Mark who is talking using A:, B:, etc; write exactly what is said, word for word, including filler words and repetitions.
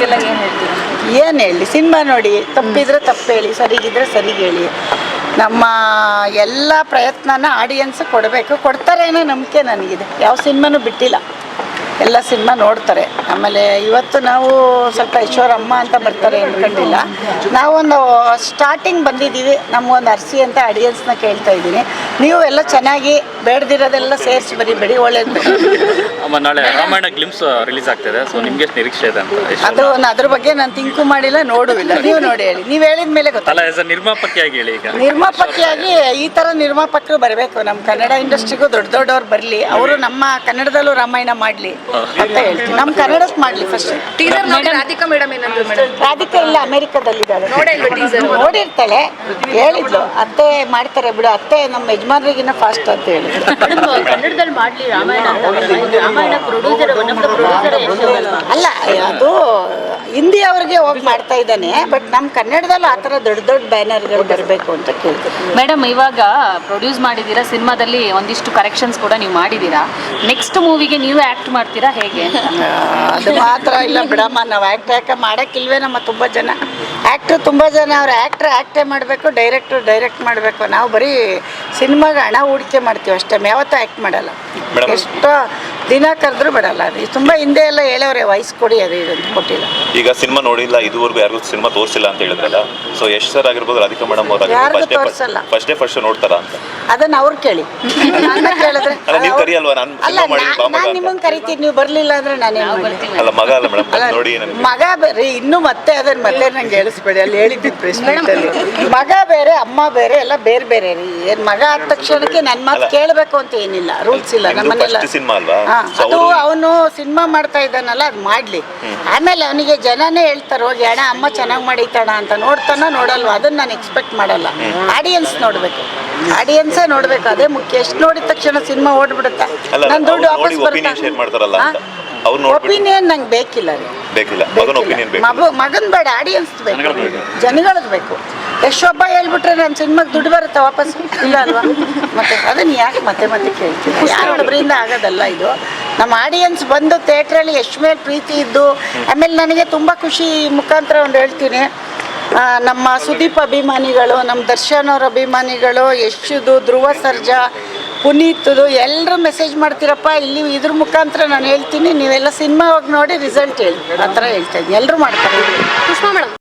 A: ಅವ್ರಿಗೆಲ್ಲ ಏನು ಹೇಳ್ತೀರಾ?
B: ಏನು ಹೇಳಿ, ಸಿನಿಮಾ ನೋಡಿ, ತಪ್ಪಿದ್ರೆ ತಪ್ಪು ಹೇಳಿ, ಸರಿಗಿದ್ರೆ ಸರಿಗೆ ಹೇಳಿ. ನಮ್ಮ ಎಲ್ಲ ಪ್ರಯತ್ನನ ಆಡಿಯನ್ಸ್ ಕೊಡಬೇಕು, ಕೊಡ್ತಾರೆ ಅನ್ನೋ ನಂಬಿಕೆ ನನಗಿದೆ. ಯಾವ ಸಿನಿಮಾನೂ ಬಿಟ್ಟಿಲ್ಲ, ಎಲ್ಲ ಸಿನಿಮಾ ನೋಡ್ತಾರೆ. ಆಮೇಲೆ ಇವತ್ತು ನಾವು ಸ್ವಲ್ಪ ಈಶ್ವರಮ್ಮ ಅಂತ ಬರ್ತಾರೆ ಅಂದ್ಕೊಂಡಿಲ್ಲ, ನಾವೊಂದು ಸ್ಟಾರ್ಟಿಂಗ್ ಬಂದಿದ್ದೀವಿ, ನಮಗೊಂದು ಅರ್ಸಿ ಅಂತ ಆಡಿಯನ್ಸ್ನ ಕೇಳ್ತಾ ಇದ್ದೀನಿ. ನೀವು ಎಲ್ಲ ಚೆನ್ನಾಗಿ ಬೇಡದಿರೋದೆಲ್ಲ ಸೇರಿಸಿ ಬರೀಬೇಡಿ, ಒಳ್ಳೇದು.
C: ಅಮ್ಮ ನಾಳೆ ರಾಮಾಯಣ ಗ್ಲಿಮ್ಸ್ ರಿಲೀಸ್ ಆಗ್ತಿದೆ, ಸೊ ನಿಮ್ಗೆ ಎಷ್ಟು ನಿರೀಕ್ಷೆ ಇದೆ ಅಂತ?
B: ಅದು ಅದ್ರ ಬಗ್ಗೆ ನಾನು ತಿಂಕು ಮಾಡಿಲ್ಲ, ನೋಡುವಿಲ್ಲ. ನೀವು ನೋಡಿ ಹೇಳಿ, ನೀವು ಹೇಳಿದ ಮೇಲೆ ಗೊತ್ತಲ್ಲ.
C: ಆಸ್ ಅ ನಿರ್ಮಾಪಕಿಯಾಗಿ ಹೇಳಿ. ಈಗ
B: ನಿರ್ಮಾಪಕಿಯಾಗಿ ಈ ಥರ ನಿರ್ಮಾಪಕರು ಬರಬೇಕು ನಮ್ಮ ಕನ್ನಡ ಇಂಡಸ್ಟ್ರಿಗೂ. ದೊಡ್ಡ ದೊಡ್ಡವ್ರು ಬರಲಿ, ಅವರು ನಮ್ಮ ಕನ್ನಡದಲ್ಲೂ ರಾಮಾಯಣ ಮಾಡಲಿ ಅಂತ ಹೇಳ್ತೀನಿ. ನಮ್ಮ ಕನ್ನಡಕ್ಕೆ ಮಾಡಲಿ ಫಸ್ಟ್.
A: ಟೀಸರ್ ನೋಡಿ ರಾಧಿಕಾ ಮೇಡಮ್ ಏನಂದ್ರು ಮೇಡಮ್?
B: ರಾಧಿಕಾ ಇಲ್ಲ, ಅಮೆರಿಕದಲ್ಲಿದ್ದಾಳೆ.
A: ನೋಡಿಲ್ವಾ ಟೀಸರ್?
B: ನೋಡಿರ್ತಾಳೆ, ಹೇಳಿದ್ಲು ಅತ್ತೆ ಮಾಡ್ತಾರೆ ಬಿಡು, ಅತ್ತೆ ನಮ್ಮ ಯಜಮಾನ್ರಿಗಿನ್ನ ಫಾಸ್ಟ್ ಅಂತ ಹೇಳಿ.
D: ಕನ್ನಡದಲ್ಲಿ ಮಾಡ್ಲಿ ರಾಮಾಯಣ ಅಂತ. ರಾಮಾಯಣ ಪ್ರೊಡ್ಯೂಸರ್ ಪ್ರೊಡ್ಯೂಸರ್
B: ಅಲ್ಲ, ಅದು ಹಿಂದಿ ಅವ್ರಿಗೆ ಹೋಗಿ ಮಾಡ್ತಾ ಇದ್ದಾನೆ, ಬಟ್ ನಮ್ಮ ಕನ್ನಡದಲ್ಲಿ ಆ ಥರ ದೊಡ್ಡ ದೊಡ್ಡ ಬ್ಯಾನರ್ಗಳು ಬರಬೇಕು ಅಂತ ಕೇಳ್ತೀನಿ.
D: ಮೇಡಮ್, ಇವಾಗ ಪ್ರೊಡ್ಯೂಸ್ ಮಾಡಿದ್ದೀರಾ, ಸಿನಿಮಾದಲ್ಲಿ ಒಂದಿಷ್ಟು ಕರೆಕ್ಷನ್ಸ್ ಕೂಡ ನೀವು ಮಾಡಿದ್ದೀರಾ. ನೆಕ್ಸ್ಟ್ ಮೂವಿಗೆ ನೀವು ಆ್ಯಕ್ಟ್ ಮಾಡ್ತೀರಾ ಹೇಗೆ?
B: ಅದು ಮಾತ್ರ ಇಲ್ಲ ಬಿಡಮ್ಮ, ನಾವು ಆ್ಯಕ್ಟ್ ಯಾಕೆ ಮಾಡೋಕ್ಕಿಲ್ವೇ? ನಮ್ಮ ತುಂಬ ಜನ ಆ್ಯಕ್ಟ್ರು ತುಂಬ ಜನ ಅವ್ರು ಆ್ಯಕ್ಟ್ರ್ ಆ್ಯಕ್ಟೇ ಮಾಡಬೇಕು, ಡೈರೆಕ್ಟ್ರು ಡೈರೆಕ್ಟ್ ಮಾಡಬೇಕು. ನಾವು ಬರೀ ಸಿನಿಮಾಗೆ ಹಣ ಹೂಡಿಕೆ ಮಾಡ್ತೀವಿ ಅಷ್ಟೇ, ಯಾವತ್ತೂ ಆ್ಯಕ್ಟ್ ಮಾಡಲ್ಲ. ಎಷ್ಟೋ ದಿನ ಕರೆದ್ರೂ ಬಿಡಲ್ಲ. ಅದು ತುಂಬ ಹಿಂದೆ ಎಲ್ಲ ಹೇಳೋರೆ ವಯಸ್ಸು ಕೊಡಿ, ಅದು ಇದಂತ ಕೊಟ್ಟಿಲ್ಲ.
E: ಈಗ ಸಿನಿಮಾ ನೋಡಿಲ್ಲ, ಇದುವರೆಗೂ ಯಾರಿಗೂ ಸಿನಿಮಾ ತೋರಿಸಿಲ್ಲ ಅಂತ ಹೇಳಿದ್ರಲ್ಲ, ಸೊ ಎಷ್ಟು ಸರ್ ಆಗಿರ್ಬೋದು, ರಾಧಿಕಾ ಮೇಡಮ್
B: ಯಾರಿಗೂ ತೋರಿಸಲ್ಲ.
E: ಫಸ್ಟ್ ಡೇ ಫಸ್ಟ್ ನೋಡ್ತಾರ ಅಂತ
B: ಅದನ್ನ ಅವ್ರು ಕೇಳಿ. ನನ್ನ ಕೇಳಿದ್ರೆ
E: ನೀವು ಕರಿಯಲ್ವಾ? ನಾನು
B: ಅಲ್ಲ, ನಾನು ನಿಮ್ಮನ್ನು ಕರಿತೀನಿ, ನೀವು ಬರಲಿಲ್ಲ ಅಂದ್ರೆ ನಾನೇನು ಮಾಡ್ತೀನಿ?
E: ಅಲ್ಲ, ಮಗ ಅಲ್ಲ ಮೇಡಮ್, ನೋಡಿ
B: ಮಗ ಬೇರೆ, ಇನ್ನು ಮತ್ತೆ ಅದನ್ನ ಮತ್ತೆ ನಂಗೆ ಹೇಳಿಸ್ಬೇಡಿ, ಅಲ್ಲಿ ಹೇಳಿದ್ದು ಪ್ರೆಸ್ಮೆಂಟಲ್ಲಿ. ಮಗ ಬೇರೆ, ಅಮ್ಮ ಬೇರೆ, ಎಲ್ಲ ಬೇರೆ ಬೇರೆ ರೀ. ಏನು ಮಗ ಆದ ತಕ್ಷಣಕ್ಕೆ ನನ್ನ ಮಾತು ಕೇಳಬೇಕು ಅಂತ ಏನಿಲ್ಲ, ರೂಲ್ಸ್ ಇಲ್ಲ ನಮ್ಮನೆಲ್ಲ.
E: ಸಿನಿಮಾ ಅಲ್ವಾ?
B: ಅದು ಅವನು ಸಿನಿಮಾ ಮಾಡ್ತಾ ಇದ್ದಾನಲ್ಲ, ಅದು ಮಾಡಲಿ. ಆಮೇಲೆ ಅವನಿಗೆ ಜನನೇ ಹೇಳ್ತಾರೆ ಹೋಗಿ ಅಣ್ಣ ಅಮ್ಮ ಚೆನ್ನಾಗಿ ಮಾಡೈತಣ ಅಂತ. ನೋಡ್ತಾನ ನೋಡಲ್ವ, ಅದನ್ನ ನಾನು ಎಕ್ಸ್ಪೆಕ್ಟ್ ಮಾಡಲ್ಲ. ಆಡಿಯನ್ಸ್ ನೋಡಬೇಕು, ಆಡಿಯನ್ಸೇ ನೋಡಬೇಕು, ಅದೇ ಮುಖ್ಯ. ಎಷ್ಟು ನೋಡಿದ ತಕ್ಷಣ ಸಿನಿಮಾ ಓಡ್ಬಿಡುತ್ತೆ, ನನ್ನ ದುಡ್ಡು ವಾಪಸ್ ಬರುತ್ತೆ. ಒಪಿನಿಯನ್ ನಂಗೆ ಬೇಕಿಲ್ಲ ರೀ,
E: ಬೇಕಿಲ್ಲ.
B: ಮಗು ಮಗನ್ ಬೇಡ, ಆಡಿಯನ್ಸ್ ಬೇಕು, ಜನಗಳದ್ದು ಬೇಕು. ಎಷ್ಟೊಬ್ಬ ಹೇಳ್ಬಿಟ್ರೆ ನನ್ನ ಸಿನಿಮಾಗೆ ದುಡ್ಡು ಬರುತ್ತೆ ವಾಪಸ್, ಇಲ್ಲ ಅಲ್ವಾ? ಮತ್ತೆ ಅದನ್ನು ಯಾಕೆ ಮತ್ತೆ ಮತ್ತೆ ಕೇಳ್ತೀನಿ? ಯಾರೊಬ್ಬರಿಂದ ಆಗೋದಲ್ಲ ಇದು. ನಮ್ಮ ಆಡಿಯನ್ಸ್ ಬಂದು ಥಿಯೇಟ್ರಲ್ಲಿ ಎಷ್ಟು ಮೇಲೆ ಪ್ರೀತಿ ಇದ್ದು, ಆಮೇಲೆ ನನಗೆ ತುಂಬ ಖುಷಿ ಮುಖಾಂತರ ಒಂದು ಹೇಳ್ತೀನಿ, ನಮ್ಮ ಸುದೀಪ್ ಅಭಿಮಾನಿಗಳು, ನಮ್ಮ ದರ್ಶನ್ ಅವ್ರ ಅಭಿಮಾನಿಗಳು, ಯಶುದು, ಧ್ರುವ ಸರ್ಜಾ, ಪುನೀತ್ದು ಎಲ್ಲರೂ ಮೆಸೇಜ್ ಮಾಡ್ತೀರಪ್ಪ. ಇಲ್ಲಿ ಇದ್ರ ಮುಖಾಂತರ ನಾನು ಹೇಳ್ತೀನಿ, ನೀವೆಲ್ಲ ಸಿನಿಮಾ ಹೋಗಿ ನೋಡಿ ರಿಸಲ್ಟ್ ಹೇಳಿ, ಆ ಥರ ಹೇಳ್ತಾ ಇದ್ದೀನಿ. ಎಲ್ಲರೂ ಮಾಡ್ತಾರೆ.
A: ಪುಷ್ಪಾ ಮೇಡಮ್